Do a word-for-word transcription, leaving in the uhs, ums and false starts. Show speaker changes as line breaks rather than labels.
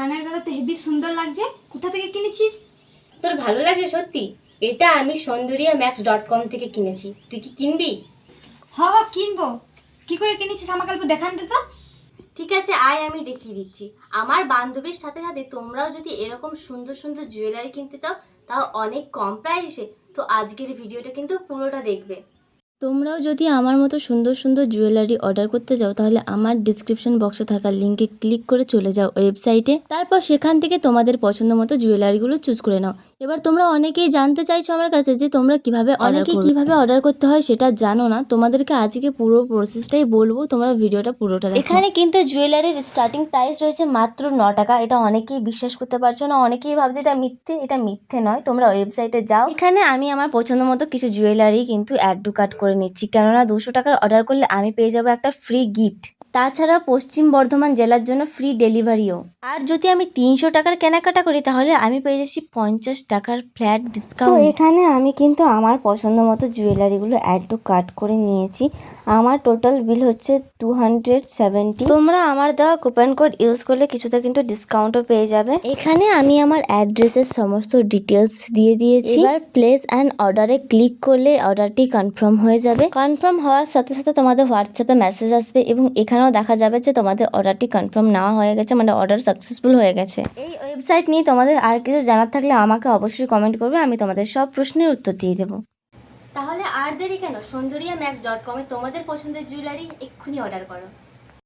কানের গলাতে হেভি সুন্দর লাগছে, কোথা থেকে কিনেছিস?
তোর ভালো লাগছে সত্যি? এটা আমি সৌন্দর্যা ম্যাক্স ডট কম থেকে কিনেছি, তুই কি কিনবি?
হ হ কিনবো। কি করে কিনেছিস আমাকে অল্প দেখান দে তো।
ঠিক আছে আয়, আমি দেখিয়ে দিচ্ছি। আমার বান্ধবীর সাথে সাথে তোমরাও যদি এরকম সুন্দর সুন্দর জুয়েলারি কিনতে চাও, তাও অনেক কম প্রাইসে, তো আজকের ভিডিওটা কিন্তু পুরোটা দেখবে। তোমরাও যদি আমার মতো সুন্দর সুন্দর জুয়েলারি অর্ডার করতে যাও, তাহলে আমার ডিসক্রিপশন বক্সে থাকা লিঙ্কে ক্লিক করে চলে যাও ওয়েবসাইটে। তারপর সেখান থেকে তোমাদের পছন্দ মতো জুয়েলারিগুলো চুজ করে নাও। এবার তোমরা অনেকেই জানতে চাইছো আমার কাছে যে তোমরা কিভাবে অনেকে কিভাবে অর্ডার করতে হয় সেটা জানো না। তোমাদেরকে আজকে পুরো প্রসেসটাই বলবো, তোমরা ভিডিওটা পুরোটা দেখো। এখানে কিন্তু জুয়েলারির স্টার্টিং প্রাইস রয়েছে মাত্র ন টাকা। এটা অনেকেই বিশ্বাস করতে পারছো না, অনেকেই ভাবছে এটা মিথ্যে। এটা মিথ্যে নয়, তোমরা ওয়েবসাইটে যাও। এখানে আমি আমার পছন্দ মতো কিছু জুয়েলারি কিন্তু অ্যাড টু কার্ট করে নিচ্ছি, কেননা দুশো টাকার অর্ডার করলে আমি পেয়ে যাবো একটা ফ্রি গিফট। তাছাড়া পশ্চিম বর্ধমান জেলার জন্য ফ্রি ডেলিভারিও। আর যদি আমি তিনশো টাকার কেনাকাটা করি, তাহলে আমি পেয়ে যাচ্ছি পঞ্চাশ টাকার ফ্ল্যাট ডিসকাউন্ট। তো এখানে আমি কিন্তু আমার পছন্দ মতো জুয়েলারিগুলো অ্যাড টু কার্ট করে নিয়েছি। আমার টোটাল বিল হচ্ছে টু হান্ড্রেড সেভেন্টি। তোমরা আমার দেওয়া কুপন কোড ইউজ করলে কিছুটা কিন্তু ডিসকাউন্টও পেয়ে যাবে। এখানে আমি আমার অ্যাড্রেসের সমস্ত ডিটেলস দিয়ে দিয়েছি। এবার প্লেস অ্যান্ড অর্ডারে ক্লিক করলে অর্ডারটি কনফার্ম হয়ে যাবে। কনফার্ম হওয়ার সাথে সাথে তোমাদের হোয়াটসঅ্যাপে মেসেজ আসবে এবং এখানেও দেখা যাবে যে তোমাদের অর্ডারটি কনফার্ম নেওয়া হয়ে গেছে, মানে অর্ডার সাকসেসফুল হয়ে গেছে। এই ওয়েবসাইট নিয়ে তোমাদের আর কিছু জানার থাকলে আমাকে অবশ্যই কমেন্ট করবে, আমি তোমাদের সব প্রশ্নের উত্তর দিয়ে দেবো। তাহলে আর দেরি কেন, সৌন্দর্যা ম্যাক্স ডট কমে তোমাদের পছন্দের জুয়েলারি এক্ষুনি অর্ডার করো।